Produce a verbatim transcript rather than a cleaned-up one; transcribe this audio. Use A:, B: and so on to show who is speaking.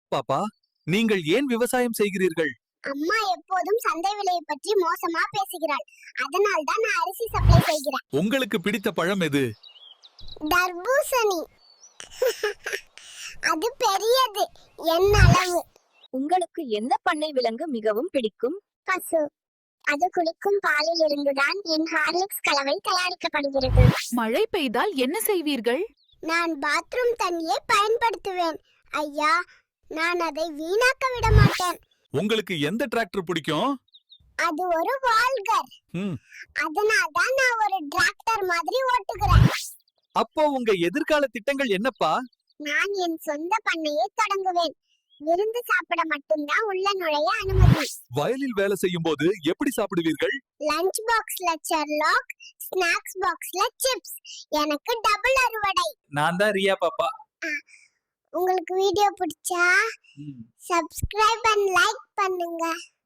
A: பாப்பா, நீங்கள் ஏன் விவசாயம் செய்கிறீர்கள்?
B: அம்மா எப்போதும் சந்தை விலையை பற்றி மோசமா பேசுகிறாள். அதனால் தான் நான் அரிசி சப்ளை செய்கிறேன்.
A: உங்களுக்கு பிடித்த பழம் எது?
B: தர்பூசணி. அது பெரியது, என் அளவு.
C: உங்களுக்கு எந்த பண்ணை விலங்கு மிகவும் பிடிக்கும்?
B: பசு. அது குளிக்கும் பாலில் இருந்துதான் என் ஹார்லிக்ஸ் கலவை தயாரிக்கப்படுகிறது.
D: மழை பெய்தால் என்ன செய்வீர்கள்?
B: நான் பாத்ரூம் தண்ணியை பயன்படுத்துவேன். ஐயா, நான் அதை வீணாக்க விட மாட்டேன்.
A: உங்களுக்கு எந்த டிராக்டர் பிடிக்கும்?
B: அது ஒரு வால்கர்.
A: ம்.
B: அதனால் தான் நான் ஒரு டிராக்டர் மாதிரி ஓட்டுகிறேன்.
A: அப்போ உங்க எதிர்கால திட்டங்கள் என்னப்பா?
B: நான் என் சொந்த பண்ணையை தொடங்குவேன். விருந்து சாப்பிட மட்டும்தான் உள்ள நுழைய அனுமதி.
A: வயலில் வேலை செய்யும் போது எப்படி சாப்பிடுவீர்கள்?
B: லஞ்ச் பாக்ஸ்ல செர்லாக், ஸ்நாக்ஸ் பாக்ஸ்ல சிப்ஸ். எனக்கு டபுள் அறுவடை.
A: நான் தான் ரியா பாப்பா.
B: உங்களுக்கு வீடியோ பிடிச்சா சப்ஸ்கிரைப் அண்ட் லைக் பண்ணுங்க.